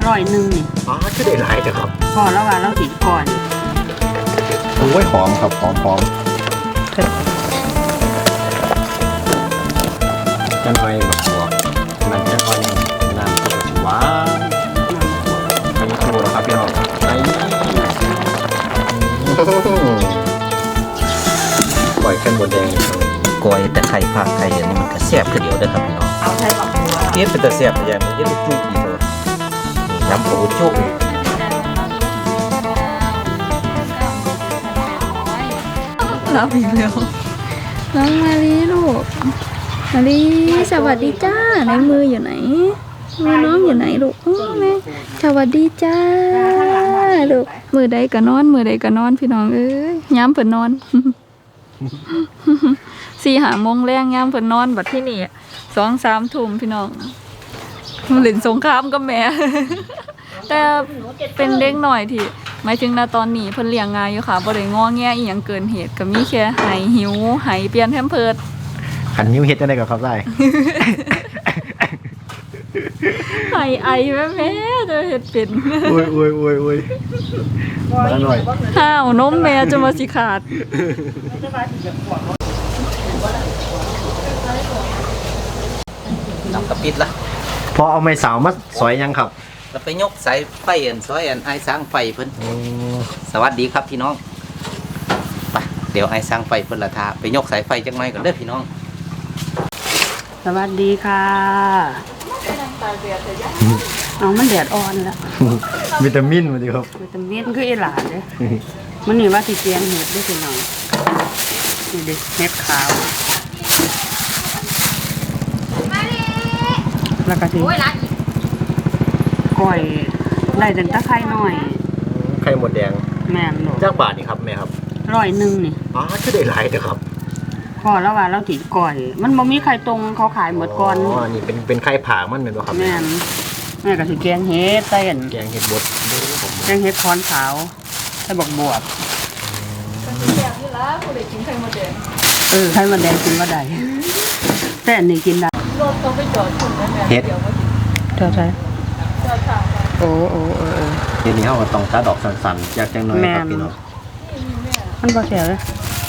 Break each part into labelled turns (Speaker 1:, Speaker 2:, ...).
Speaker 1: 100นี่
Speaker 2: อ๋อคือได้หลายแต่ครับ
Speaker 1: พอแล้วว่าเราติดก่อน
Speaker 2: โอ้ยหอมครับหอมจะหน่อยแบบหัวมันจะค่อยน้ำก็จะหวานอันนี้คือครับพี่น้องไอ้ปล่อยแค่บดแดงกอยแต่ไข่ผักไข่อันนี้มันก็แซ่บคือเดียวเด้อครับพี่น้อง
Speaker 1: เอาใส่บักหัว
Speaker 2: เทียบเป็นแต่แซ่บแต่ยังมันจะจุกอีกเลยน้ำปูจุก
Speaker 3: รับอีกแล้วน้องมาลีลูกมาลีสวัสดีจ้าในมืออยู่ไหนมือน้องอยู่ไหนลูกแม่สวัสดีจ้าลูกมือใดก็นอนมือใดก็นอนพี่น้องเอ้ยย้ำเพิ่นนอน4-5 โมงแรงย้ำเพิ่นนอนบัดที่นี่2-3 ทุ่มพี่น้องมันเล่นสงครามกับแม่แต่เป็นเด็กหน่อยที่หมายถึงณตอนนี้เพิ่นเลี้ยงง่ายอยู่ค่ะบ่ได้งอแงอีหยังเกินเหตุก็มีแค่ไหหิวไหเปลี่ยนแพมเพิร์ส
Speaker 2: ขันนิ้วเฮ็ดจังได๋ก็ครับได้
Speaker 3: ไหไอแม่จะเฮ็ดเป็น
Speaker 2: โอ้ยมาหน่อย
Speaker 3: ห้าวนมแม่จะมาสิขาด
Speaker 4: น้ำกระปิดละ
Speaker 2: พอเอาไม้สาวมาสอยยังครับ
Speaker 4: เราไปยกสายไฟซอยไอ้สร้างไฟเพิ่นสวัสดีครับพี่น้องไปเดี๋ยวไอ้สร้างไฟเพิ่นละทาไปยกสายไฟจังหน่อยก่อนเด้อพี่น้อง
Speaker 1: สวัสดีค่ะน้องมันแดดอ่อนแล้ว
Speaker 2: วิตามินมาดิครับ
Speaker 1: วิตามินคืออีหลาเด้มันนี่ว่าสิเกียงเห็ดได้พี่น้องนี่ดิเห็ดขาวแล้วก็สิก้อยได้ตั้งแต่ไข่น้อย
Speaker 2: ไข่หมดแดง
Speaker 1: แม่นลูก
Speaker 2: จักบาทนี่ครับแม่ครับ
Speaker 1: 100นี่
Speaker 2: อ๋อคือได้หลายแต่ครับ
Speaker 1: พอแล้วว่าเราติดก่อยมันบ่มีไข่ตรงเขาขายหมดก่อน
Speaker 2: อ๋อนี่เป็นไข่ผางมันเหมือนบ่ครับ
Speaker 1: แม่ก็สิแกงเห็ดใส่
Speaker 2: แกงเห็ดบด
Speaker 1: แกงเห็ดคอนขาวใส่บักบวบไข่มดแดงกินบ่ได้แต่อันนี้กินได้
Speaker 2: เห็ด
Speaker 1: เท่าไหร่โอ้
Speaker 2: เดี๋ยวนี้เฮาก็ต้องตัดดอกสั้นๆจากจังน้อยครับพี่น้อง
Speaker 1: มันบ่แซ่บเลย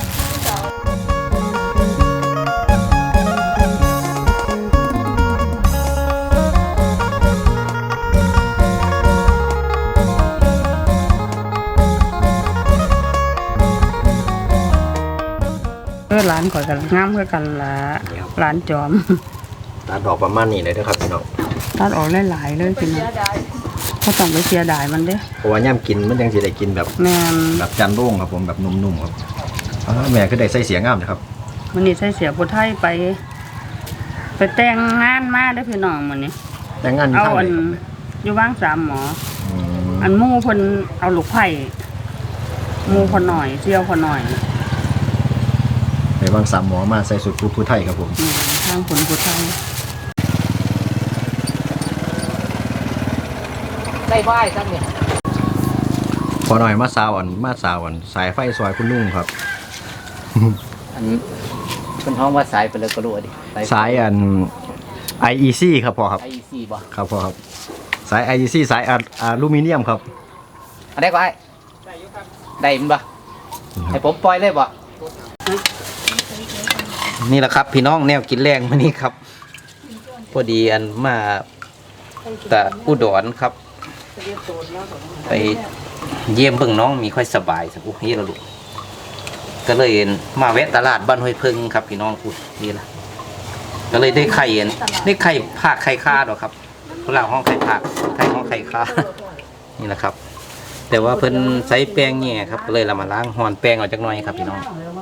Speaker 1: ร้านก่อนกันงามคือกันละร้านจอม
Speaker 2: ตัดดอกประมาณนี้เลยนะครับพี่น้อง
Speaker 1: ตัดออกหลายๆเลยพี่น้องเขาต้องไปเสียดายมันเด้
Speaker 2: เพราะว่าย่ำกินมันยังสิได้กินแบบ
Speaker 1: แม่
Speaker 2: แบบจันโล่งครับผมแบบนุ่มๆครับแม่ก็ได้ใส่เสียงงามนะครับ
Speaker 1: วันนี้ใส่เสียผู้ไทยไปแต่งงานมาได้พี่น้องมื้อนี้
Speaker 2: แต่งงานอยู่ทางไหน
Speaker 1: อยู่บ้าง3หมออันหมู่เพิ่นเอาลูกไผ่หมู่พอหน่อยเสี่ยวพอหน่อย
Speaker 2: ในบางสามหมอมาใส่สุดผู้ไทยครับผม
Speaker 1: ทางผลผู้ไทย
Speaker 4: ได้ไหว้ครับเนี่ย
Speaker 2: พอหน่อยมาสาวอ่อนสายไฟซอยคุณลุงครับ
Speaker 4: อันเป็นห้องว่าสายไปเลยก็รู้ดิ
Speaker 2: สายอัน IEC ครับพ่อครับ
Speaker 4: IEC บ่
Speaker 2: ครับพ่อครับสาย IEC สายอลูมิเนียมครับ
Speaker 4: อันได้ก็ได้อยู่ครับได้มั้ยบ่ให้ผมปล่อยเลยบ่นี่แหละครับพี่น้องแนวกินแรงมานี่ครับพอดีอันมาแต่อุดรครับไปเยี่ยมเบิ่งน้องมีค่อยสบายสักอุ้ยละลูกก็เลยมาแวะตลาดบ้านห้วยพึ่งครับพี่น้องอุ้ยนี่ละก็เลยได้ไข่ผักไข่ข้าดอกครับพวกเราห้องไข่ผักไข่ห้องไข่ข้านี่แหละครับแต่ว่าเพิ่นใช้แป้งเนี่ยครับก็เลยเรามาล้างห่อนแป้งออกจากน้อยครับพี่น้อง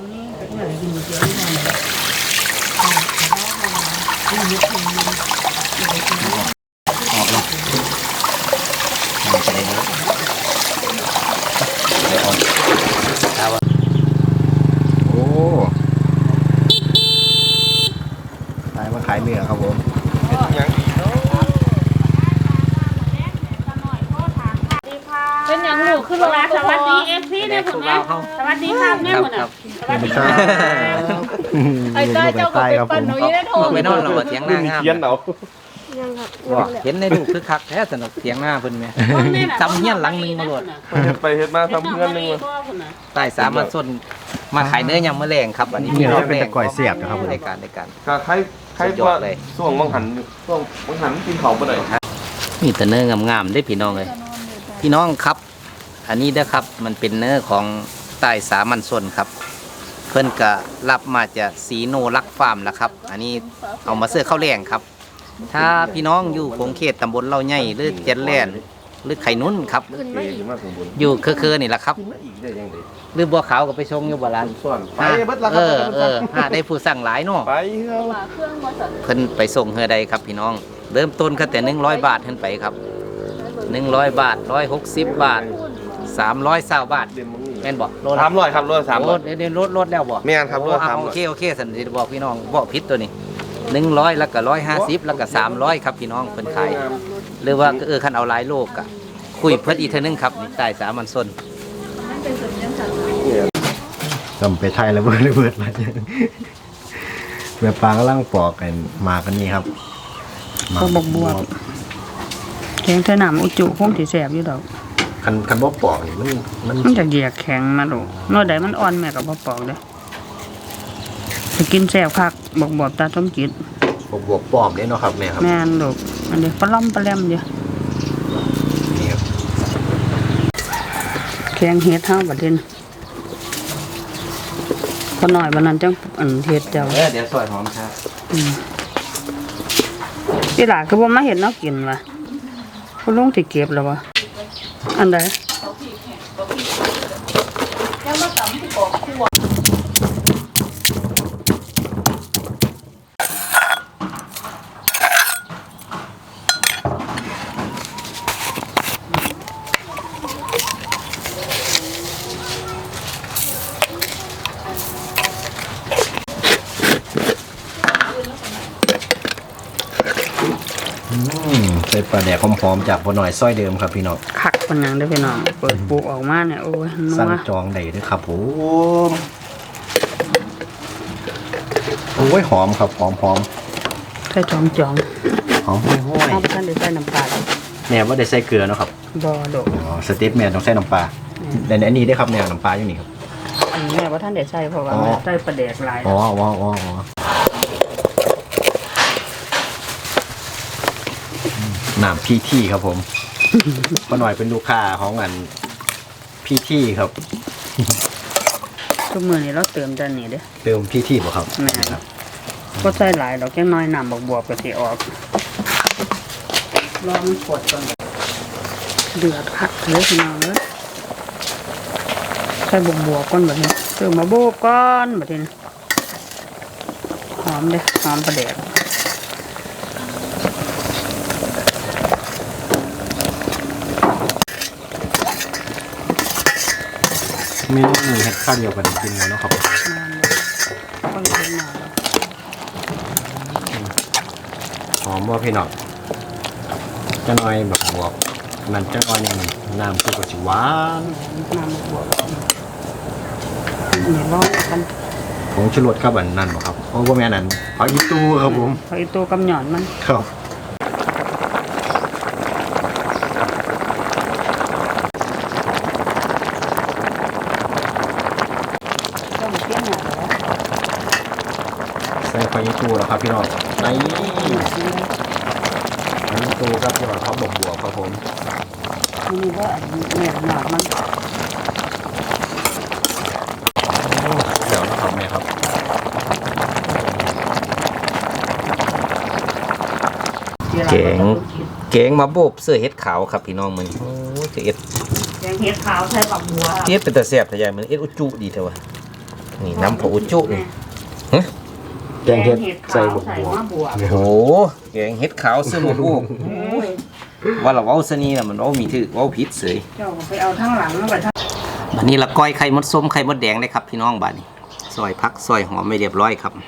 Speaker 2: ขายเนื้อครับผม
Speaker 1: เป็นอย่างลูกคือว่าสวัสดีFCเนี่ยผมนะสวัสดีครับแม่ผมนะสวัสดีครับไอ้ตาเจ้าก็เป็นปันหนูยังได้โทร
Speaker 4: ไปนอนเราเถียงหน้างาม
Speaker 2: เขียนเอา
Speaker 4: ว่าเห็นในรูปคือคักแท้สนุกเถียงหน้าเพิ่นแม่จำเฮียนหลังหนึงมาโลด
Speaker 2: ไปเฮ็ดมาทำเพื่อนนึง
Speaker 4: ใต้สามัญชนมาขายเนื้อยำมะแรงครับอันนี้
Speaker 5: นี่เราเป็นตะก่อยเสียบนะครับผม
Speaker 4: ในการ
Speaker 2: ก็ใครว่าช่วงบางหันกินเขาไปหน่อย
Speaker 4: มีแต่เนื้องามๆได้พี่น้องเลยพี่น้องครับ อันนี้เด้อครับมันเป็นเนื้อของใต้สามัญชนครับเพิ่นก็รับมาจากสีโนรักฟาร์มนะครับอันนี้เอามาเสื้อข้าวแรงครับถ้าพี่น้องอยู่คงเขตตำบลเล่าใหญ่หรือเจนแลนหรือไข่นุ่นครับอยู่คือนี่แหละครับหรือบัวขาวก็ไปชงอยู่บ่ร้าน
Speaker 2: ไปเบิดละค
Speaker 4: หาได้ผู้สั่งหลายเนาะ
Speaker 2: ไป
Speaker 4: เพิ่นไปส่งเฮือใดครับพี่น้องเริ่มต้นแค่แต่100 บาทขึ้นไปครับ100 บาท160 บาท320 บาทแม่นบ่โลละ
Speaker 2: 300ครับโลละ300
Speaker 4: โลเดี๋ยวลดแล้วบ่
Speaker 2: แม่นครับโลละ
Speaker 4: โอเคสันสิบอกพี่น้องบอกผิดตัวนี้100แล้วก็150แล้วก็300ครับพี่น้องเพิ่นขายหรือว่าคันเอาหลายโลกอะคุยเพิ่นอีกเทื่อนึงครับนี่ใต้สามัญชน
Speaker 5: จำไปไทยแล้วเบิดมาเนี่ยแบบปลากำลังปอกกันมากันนี่ครับ
Speaker 1: ก็บวกแข็งเท่าน้ำอุจุคงสิแสบอยู่ดอก
Speaker 5: คันบ่ปอกนี่มัน
Speaker 1: มันจะเหยียกแข็งมาดูเมื่อใดมันอ่อนแม่ก็บ่ปอกเด้อจะกินแสบคักบวกตาสมจิต
Speaker 5: บวกปอมเด้เนาะครับแม่ครับ
Speaker 1: แม่นลูกอันนี้ปลาล่อมปลาแหลมเดียว
Speaker 5: นี่ครับ
Speaker 1: แข็งเฮ็ดเฮาบัดนี้พอหน่อยบัดนั้นจังอันเฮ็ดเจ้า
Speaker 4: เดี๋ยวซอยหอมครับ
Speaker 1: อีหลาคือบ่มาเฮ็ดเนาะกินว่ะคุณลุงสิเก็บแล้ววะอันใด
Speaker 5: ใส่ปลาแดกหอมๆจากพอหน่อยซอยเดิมครับพี่น้อง
Speaker 1: คักปานหยังเด้อพี่น้องเปิดปลูกออกมาเนี่ยโอ้ยนั
Speaker 5: สั่ง
Speaker 1: ว
Speaker 5: จองได้เด้วยครับผมโอ้ยหอมครับหอม
Speaker 1: ใส่จอง
Speaker 5: หอมห้อย
Speaker 1: ๆเอาไปทันได้ใส่น้ำปลา
Speaker 5: ๆแม่ว่าได้ใส่เกลือเนาะครับ
Speaker 1: บ่ดอก
Speaker 5: อ๋อสเต็ปแม่ต้องใส่น้ำปลาแต่อันนี้ได้ครับแม่น้ำปลาอยู่นี่ครับ
Speaker 1: อันนี้แม่บ่ทันได้ใส่เพราะว่า
Speaker 5: อ๋อ
Speaker 1: แม่ใส่ปลาแดกหลาย
Speaker 5: อ๋อน้ำพี่ที่ครับผมพอหน่อยเป็นลูกค้าของอันพี่ที่ครับ
Speaker 1: ทุกมื้อนี้เราเติมแต่นี่เด้อ
Speaker 5: เติมพี่ที่บ่ครับ
Speaker 1: แม่
Speaker 5: ครับ
Speaker 1: บ่ใส่หลายดอกแค่น้อยน้ำบวกๆก็สิออกรอมันกดก่อนเดือดคักเลยพี่น้องเด้อใส่บวกๆก่อนบัดนี้เติมมาโบกก่อนบัดนี้หอมเด้อหอมปลาแดก
Speaker 5: เมนูนี้เฮ็ดข้าวเดียวกันกินแล้วเนาะครับ
Speaker 1: ก็เลยเป็นหน่อย
Speaker 5: หอมว่าพี่น้องจะน้อยแบบบวกมันจะน้อยอย่างน้ำซุปก็สิหวาน
Speaker 1: น้ำบวกนี่ลองกัน
Speaker 5: ผงชูรสครับอันนั้นบ่ครับเพราะว่าแม่นั้นผักอีตูครับผม
Speaker 1: พออีตัวกำหย่อนมัน
Speaker 5: ครับ
Speaker 1: ต้องเปรี้ยวหน่อยแล้ว
Speaker 5: ใส่ผักอีตูแล้วครับพี่น้องในผักอีตูครับพี่น้องเขาบวกครับผม
Speaker 1: นี่ว่าแม่หนามัน
Speaker 5: เดี๋ยวนะครับแม่ครับ
Speaker 4: แกงมาโบบเสื้อเฮ็ดขาวครับพี่น้องมันโอ้จะเอ็ด
Speaker 1: แกงเห็ดขาวใส่บักบัว
Speaker 4: เฮ็ดเป็นตาแซ่บแต่ใหญ่มันเอ็ดอุจุดีเถอะวะนี่น้ำของอุจุนี่
Speaker 5: แกงเห็ดใส่บวก
Speaker 1: มะบัว
Speaker 4: โอ้โหแกงเฮ็ดขาวซื้อมาโบบว่าเราเว้าซะนี่น่ะมันเว้ามีถือเว้าผิดเสย
Speaker 1: เจ้าไปเอาทั้งหลังแล้วไปทั้ง
Speaker 4: บัดนี้ละก้อยไข่มดส้มไข่มดแดงเลยครับพี่น้องบัดนี้ซอยผักซอยหอมไม่เรียบร้อยครับ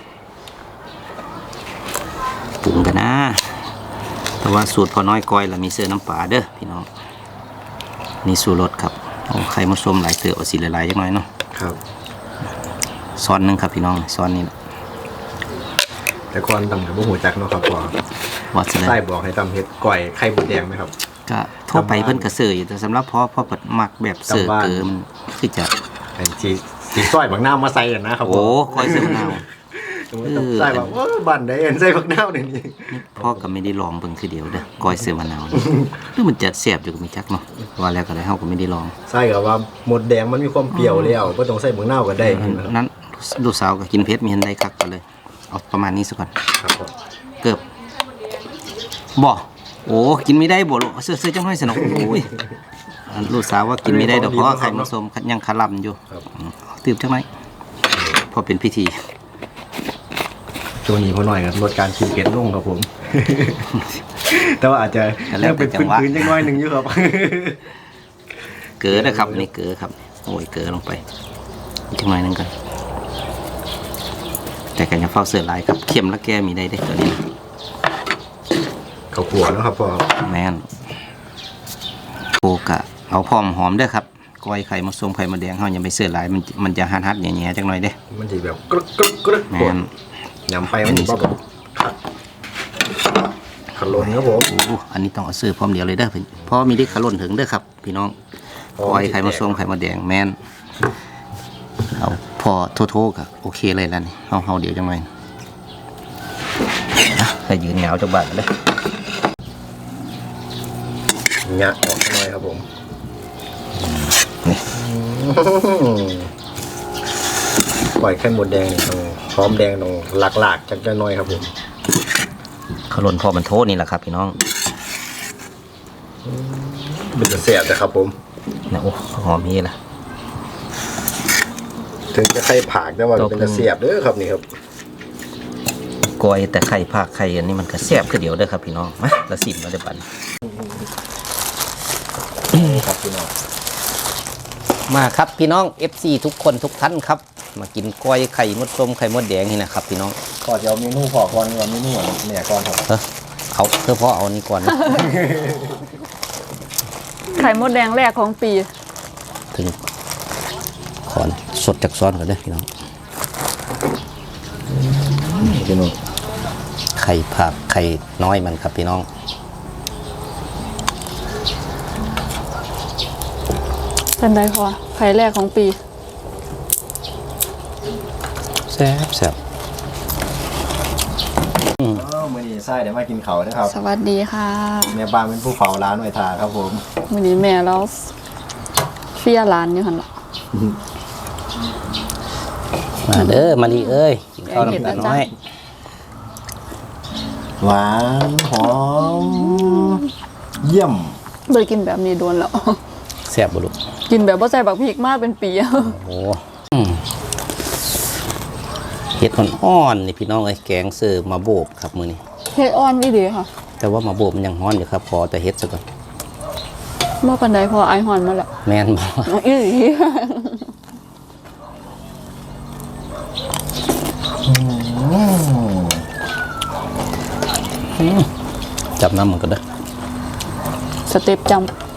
Speaker 4: ปรุงกันนะแต่ว่าสูตรพอน้อยก้อยละมีเสื้อน้ำปลาเด้อพี่น้องนี่สูตรรสครับโอ้ไข่มดส้มหลายเตือเอาสีหลายๆจังหน่อยเนาะ
Speaker 5: ครับ
Speaker 4: ซ้อนหนึงครับพี่น้องซ้อนนี้
Speaker 5: แต่ก่อนตำกับบ่หูจักเนาะครับพ่อ
Speaker 4: ว่าซะ
Speaker 5: ไส้
Speaker 4: แล้ว
Speaker 5: บอกให้ตำเฮ็ดก้อยไข่มดแดงไหมครับ
Speaker 4: ก็ทั่วไปเพิ่นก็เสิร์ฟอยู่แต่สำหรับพ่อเปิดมักแบบเสิร์ฟ
Speaker 5: จำบ้าน
Speaker 4: เกิมคือจะ
Speaker 5: เป็นสีซอยบักน้าวมาใส่กันนะครับ
Speaker 4: โอ้ก้อยเสิร์ฟนาว
Speaker 5: ใส่แบบว่าบันไดเอ็นใส่บักน้าวนี่
Speaker 4: พ่อก็ไม่ได้ลองเบิ่งคือเดียวเด้อก้อยเสิร์ฟมะนาวนี่หรือมันจะแซ่บอยู่ก็มีจักเนาะว่าแล้วก็ได้เฮาก็ไม่ได้ลอง
Speaker 5: ใส่กับว่าหมดแดงมันมีความเปรี้ยวแล้วบ่ต้องใส่บักน้าวก็ได้นะครับ
Speaker 4: นั้นลูกสาวก็กินเผ็ดมีหันได้คักก็เลยเอาประมาณนี้ซะก่อน
Speaker 5: ครับผม
Speaker 4: เกือบบ่โอ้กินไม่ได้บ่ลูกเสื้อจังห้อยสนุกโอ้ยอันลูกสาวว่ากินไม่ได้ดอกเพราะว่าไข่มันสมยังคาร่ำอยู่ตื่มจังไหมพอเป็นพิธี
Speaker 5: ช่วงนี้พอหน่อยครับลดการกินเผ็ดลงครับผม แต่ว่าอาจจะยังเป็นพื้นๆจังน้อยหนึงอยู่ครับ
Speaker 4: เกลือนะครับนี่เกลือครับโอ้ยเกลือลงไปจังหน่อยหนึงกันแต่กันยังเฝ้าเสือลายครับเค็มและแก้มีได้เด้ตัวนี้
Speaker 5: ข้าวคั่วเนาะครับพ่อ
Speaker 4: แม่นโปกะเอาพร้อมหอมเด้อครับก้อยไข่มะส้มไข่มะแดงเฮาอย่าไปเสือลายมันจะฮัดๆแหน่ๆจังหน่อยเด้
Speaker 5: มันสิแบบกรึกกรึกกรึก
Speaker 4: แม่น
Speaker 5: ยำไปมันสิบ่แบบขันลนครับผม
Speaker 4: โอ้อันนี้ต้องเอาซื้อพร้อมเดียวเลยเด้อเพราะมีได้ขลุ่นถึงเด้อครับ พี่น้องก้อยไข่มะส้มไข่มะแดงแม่นเอาพอโทษๆก็โอเคเลยแล้วนี่เฮาเดี๋ยวจังหน่อยให้ยืนเหงาจักบาทเลย
Speaker 5: งะออกหน่อยครับผมปล่อยไข่มดแดงนี่ต้องหอมแดงต้องหลากๆจักหน่อยครับผม
Speaker 4: ขลุ่นพอมันโทษนี่แหละครับพี่น้อง
Speaker 5: เป็นจะเสียบนะครับผม
Speaker 4: นะโอ้หอมนี่ล่ะ
Speaker 5: ถึงจะไข่ผากแต่ว่าเป็นจะเสียบเด้อครับนี่ครับ
Speaker 4: ก้อยแต่ไข่ภาคไข่อันนี้มันก็แซ่บคือเดียวเด้อครับพี่น้องมาละสิมาได้ปัน
Speaker 5: ครับพี่น้อง
Speaker 4: มาครับพี่น้อง FC ทุกคนทุกท่านครับ มากินก้อยไข่มดส้มไข่มดแดงนี่นะครับพี่น้อง
Speaker 5: ก็จะเอาเมนูพอก่อนว่าเมนูอะไรเนี่ยก่อนครับ
Speaker 4: เอาพ่อเอานี่ก่อนนะ
Speaker 3: ไข่มดแดงแรกของปี
Speaker 4: ถึงขอนสดจากซ้อนก่อนเด้อพี่น้อง
Speaker 5: พี่น้อง
Speaker 4: ไข่ผักไข่น้อยมันครับพี่น้อง
Speaker 3: เป็นไรพอไข่แรกของปี
Speaker 4: แซ่บแซ่บ
Speaker 5: มื้อนี้ไส้เดี๋ยวมากินเขานะครับ
Speaker 3: สวัสดีค่ะ
Speaker 5: แม่บ้านเป็นผู้เฝ้าร้านไว้ทาครับผม
Speaker 3: วันนี้แม่เราเฟียร้านอยู่หันละ
Speaker 4: มาเด้อมาลีเอ้ยกินข้าวน้ำตาลน้อย
Speaker 5: หวานหอมเยี่ยม
Speaker 3: เคยกินแบบนี้โดนแล้ว
Speaker 4: แซ่บบุรุษ
Speaker 3: กินแบบว่าใส่บักพริกมากเป็นปี
Speaker 4: โอ้เห็ดอ่อนๆนี่พี่น้องเอ้ยแกงเสิร์ฟมาโบบครับมื้อนี้
Speaker 3: เฮ็ดอ่อนดีค่ะ
Speaker 4: แต่ว่ามาโบบมันยังฮ้อนอยู่ครับพอแต่เฮ็ดซะก่อน
Speaker 3: เมื่อปันใดพอไอหอนมาแล้ว
Speaker 4: แม่นบ่
Speaker 3: อีหลี
Speaker 4: จับน้ำมันก็ได้
Speaker 3: สเต็ปจ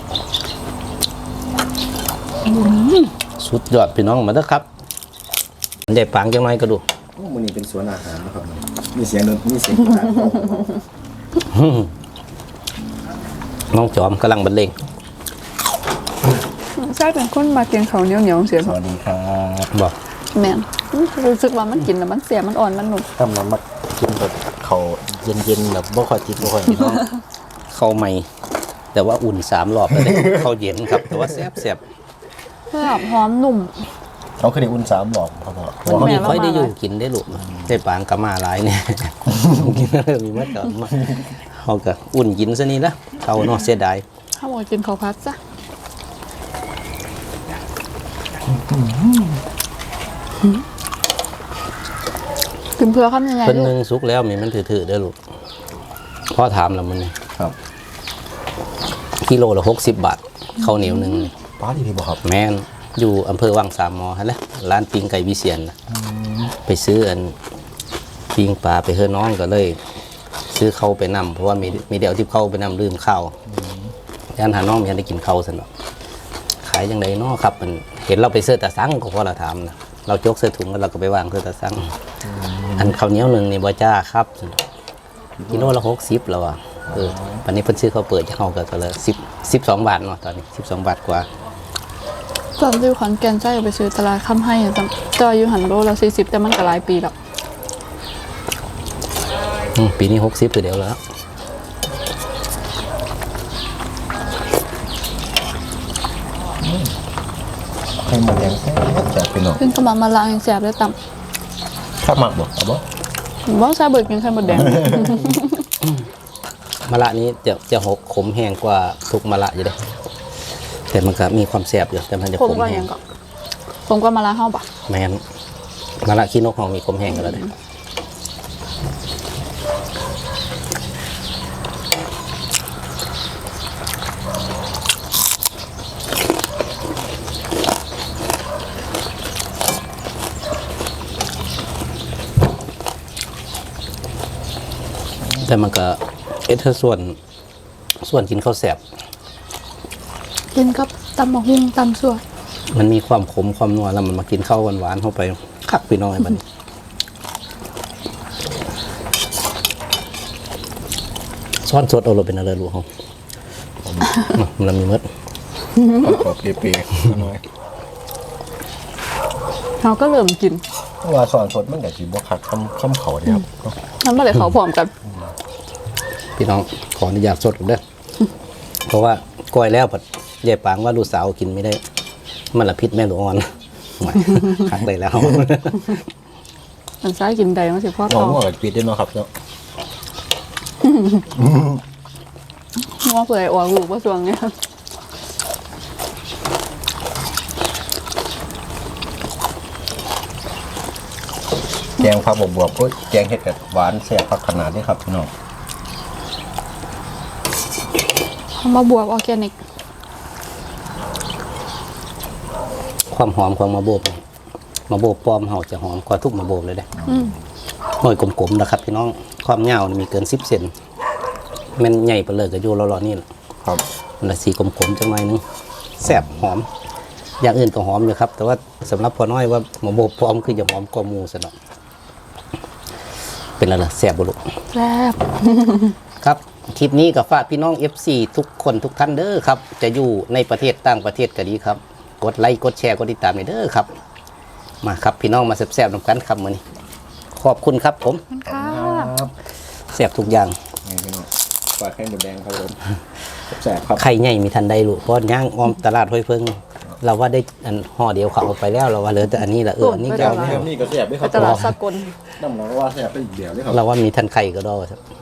Speaker 4: สุดยอดพี่น้องมาเด้อครับได้ปังจังหน่อยก็ดู
Speaker 5: มื้อนี้เป็นสวนอาหารนะครับมีเสียงดนตรีมีเสียงการ
Speaker 4: น้องจอมกำลังบรรเลง
Speaker 3: ำใช่เป็นคนมากินข้าวเหนียวๆเสีย
Speaker 5: สวัสดีครับ
Speaker 4: บอก
Speaker 3: แม่นรู้สึกว่ามันกินแล้วมันเสียมันอ่อนมันหนุ่ม
Speaker 5: ทำน้ำมักกินแบบเขาเย็นๆแบบบ่ค่อยติดบ่ค่อยน้อง
Speaker 4: เข้าใหม่ แต่ว่าอุ่น3 รอบแล้วเด้ เข้าเย็นครับ แต่ว่าแซ่บ
Speaker 3: เพื่อหอมหนุ่ม
Speaker 5: เขาเคยได้อุ่น3หลอกครับพ่อ
Speaker 4: ๆ
Speaker 3: แม่
Speaker 4: มีค่อยได้อยู่
Speaker 3: เรามา
Speaker 4: กินได้ลูกได้ปางกะมาหลายเนี่ย กินแล้วมีมาก่อนมาเขาก็อุ่นกินซะนี่ละเขาเนาะเสียดาย
Speaker 3: ถ้าบอกกินข้าวพัดจ้ะกินเพื่อข้ามยังไง
Speaker 4: เพิ่น
Speaker 3: ลู
Speaker 4: หนึ
Speaker 3: ก
Speaker 4: งสุกแล้วมีมันถือๆเด้อลูกพ่อถามแล้วมันนี่
Speaker 5: ครับ
Speaker 4: กิโลละ60 บาทข้าวเหนียวหนึงนี่
Speaker 5: ป้าดีพี่บ่ครับ
Speaker 4: แม่นอยู่อำเภอวังสามหมอฮะแหละร้านปิ้งไก่วิเชียนน่ะไปซื้ออันปิ้งปลาไปเฮือน้องก็เลย ซื้อเข้าวไปนำเพราะว่ามีเดี๋ยวที่เข้าไปนำลืมข้าวย่านหาน้องยังได้กินข้าวสนอกขายยังไงเนาะครับมันเห็นเราไปเสื้อตาซังก็พอเราถามนะเราจกเสื้อถุงแล้วเราก็ไปวางเสื้อตาซังอันข้าวเหนียวหนึ่งนี่บ่จ้าครับกิโลละ60แล้วอ่ะวันนี้เพิ่นซื้อข้าวเปิดจะเฮาก็เลย12 บาทเนาะตอนนี้12 บาทกว่า
Speaker 3: ตอนอยู่ขอนแก่นใช่ไปซื้อตลาดค่ำให้จอยอยู่หันโลละ40แต่มันก็หลายปีแล้ว
Speaker 4: ปีนี้60คือเดียวแล้ว
Speaker 5: ให้หมดแดงแซ่บพี่น้อง
Speaker 3: ขึ้นกระบะมาล้างอย่างแสบเลยต่
Speaker 5: ข้าวหมักบ่เอาบ่
Speaker 3: ำว่าซาเบิร์กินไข่มดแดง
Speaker 4: มะระนี้จะขมแห้งกว่าทุกมะระอยู่เด้แต่มันก็มีความแซ่บอยู่แต่มันจะ
Speaker 3: ผม
Speaker 4: ขม
Speaker 3: ก็
Speaker 4: แห้
Speaker 3: ยัง งก็ผมก็มาล้างห้องปะ
Speaker 4: แม่นมะระขี้นกของมีขมแห้งกันแล้วเด้ แต่มันก็ส่วนกินข้าวแสบ
Speaker 3: กินกับตำมะฮุ่งตำส่วน
Speaker 4: มันมีความขมความนัวแล้วมันมากินข้าวหวานๆเข้าไปคักพี่น้อยบัดนี้ซ้อนสดเอาเราเป็นอะไรรู้เขามันมีมด
Speaker 5: ขอบเปรี้ยวๆน้อย
Speaker 3: เราก็เริ่มกิน
Speaker 5: ว่าสอนสดมันก็สิบ่คักคำเขาเด้ครับ
Speaker 3: นั่นมาเลยเขาพร้อมกัน
Speaker 4: พี่น้องขออนุญาตสดก่อนเด้อเพราะว่าก้อยแล้วผัดยายปางว่าลูกสาวกินไม่ได้ มันละพิษแม่ลูกอ่อนไม่คักได้แล้ว
Speaker 3: มันซ้ายกินใดมันสิพ่อ
Speaker 5: น้
Speaker 3: ท
Speaker 5: อง
Speaker 3: อง
Speaker 5: ก็ปิดได้เนาะครับเนาะ
Speaker 3: ว่าเผื่อออกลูกว่าสวงเนี่ย
Speaker 5: แกงผักบวบๆก็แกงเห็ดกับหวานแซ่บผักขนาดนี้ครับพี่น้อง
Speaker 3: มาบวกออร์แกนิก
Speaker 4: ความหอมของมะโบบปลอมเฮาจะหอมกว่าทุกมะโบเลยเด้หน่อยกลมๆนะครับพี่น้องความยาวนี่มีเกิน10 เซนแมันใหญ่ไปเลยก็อยู่รอๆนี่แหละ
Speaker 5: ครับ
Speaker 4: มันละสีกลมๆจังหน่อยนึงแซ่บหอม อย่างอื่นก็หอมอยู่ครับ แต่ว่าสำหรับพอน้อยว่ามะโบปลอมคือจะหอมกว่าหมูซะเนาะเป็นอะไรล่ะแซ่บบ่ลูก
Speaker 3: แซ่บ
Speaker 4: ครับคลิปนี้กับฝากพี่น้อง FC ทุกคนทุกท่านเด้อครับจะอยู่ในประเทศต่างประเทศก็ดีครับกดไลค์กดแชร์กดติดตามให้เด้อครับมาครับพี่น้องมาแซ่บๆนำกันครับมื้อนี้ขอบคุณครับผม
Speaker 3: ค่ะ
Speaker 5: ครับ
Speaker 4: แซ่บทุกอย่าง
Speaker 5: นี่พี่น้องปลาไข่หมดแดงครับผมแซ่บครับ
Speaker 4: ไข่ใหญ่มีทันใดลูกเพราะย่างอ้อมตลาดห้วยเพิ่งเราว่าได้อันห่อเดียวเขาเอาไปแล้วเราว่าเหลือแต่อันนี้ละอันนี้ก็เอา
Speaker 5: นี่ก็แซ่บด้วยค
Speaker 3: ไป
Speaker 5: รับ
Speaker 3: ตลาดสากล
Speaker 5: น้ำหนักว่าแซ่บไปอีกเดียวด้วยครับ
Speaker 4: เราว่ามีทันไข่ก็ได้ครับ